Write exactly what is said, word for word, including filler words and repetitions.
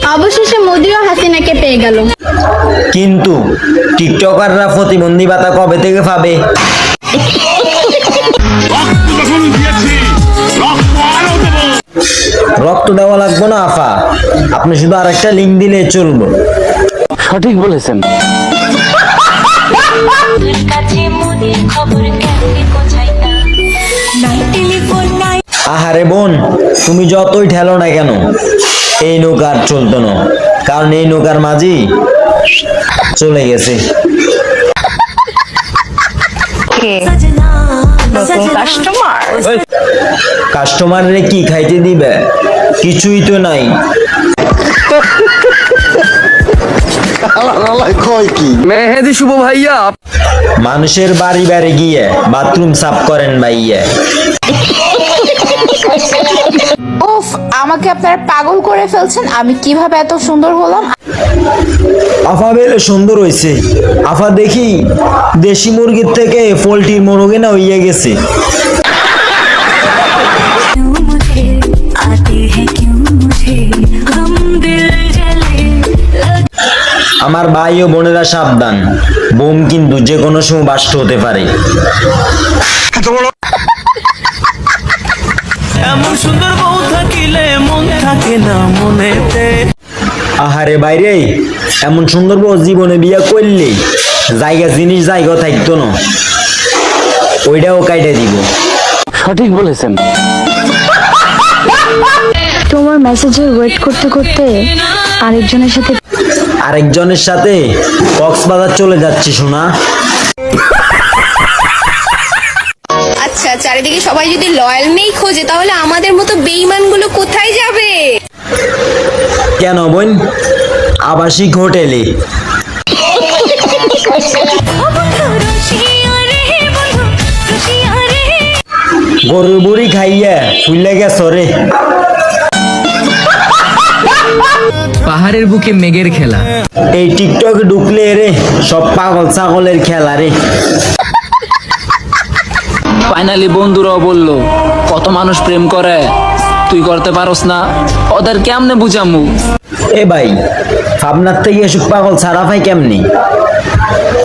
অবশেষে মোদিও হাসিনাকে পেয়ে গেল। কিন্তু টিকটকাররা প্রতিবন্ধী ভাতা কবে থেকে পাবে? রক্ত দেওয়া লাগবে না আফা, আপনি শুধু আরেকটা লিঙ্ক দিলে চলবে। সঠিক বলেছেন। আহারে বোন, তুমি যতই ঠেলো না কেন এই নৌকার চলতো না, কারণ এই নৌকার মাঝি চলে গেছে। কাস্টমার কাস্টমাররে কি খাইতে দিবে? কিছুই তো নাই। মেহেদি শুভ ভাইয়া, মানুষের বাড়ি বাড়ি গিয়ে বাথরুম সাফ করেন ভাইয়া। উফ, আমাকে আপনারা পাগল করে ফেলছেন। আমি কিভাবে এত সুন্দর হলাম? আফা বেলে সুন্দর হয়েছে। আফা দেখি দেশি মুরগির থেকে পোল্ট্রির মুরগি না হইয়া গেছে। আমার ভাই ও বোনেরা সাবধান, বোম কিন্তু যে কোনো সময় বাস্ট হতে পারে। এমন সুন্দর বউ থাকিলে মন থাকে না মনেতে। আহারে বাইরে, এমন সুন্দর বউ জীবনে বিয়া করলে জায়গা জিনিস জায়গা থাকতো না, ওইটাও কাইটে দিব। সঠিক বলেছেন। তোমার মেসেজের ওয়েট করতে করতে আরেকজনের সাথে আরেকজনের সাথে কক্সবাজার চলে যাচ্ছি শোনা। আচ্ছা, চারিদিকে সবাই যদি লয়াল মেই খোঁজে তাহলে আমাদের মতো বেঈমানগুলো কোথায় যাবে? কেন বোন? আবাসিক হোটেলে। গরুর বুড়ি খাইয়া ফুলে গেছ রে। পাহাড়ের বুকে মেঘের খেলা। এই টিকটক ঢুকলে রে সব পাগল ছাগলের খেলা রে। ফাইনালি বন্ধুরাও বললো কত মানুষ প্রেম করে, তুই করতে পারস না, ওদের কেমনে বুঝামু? এ ভাই, আপনার থেকে এসব পাগল ছাড়া পাই কেমনি?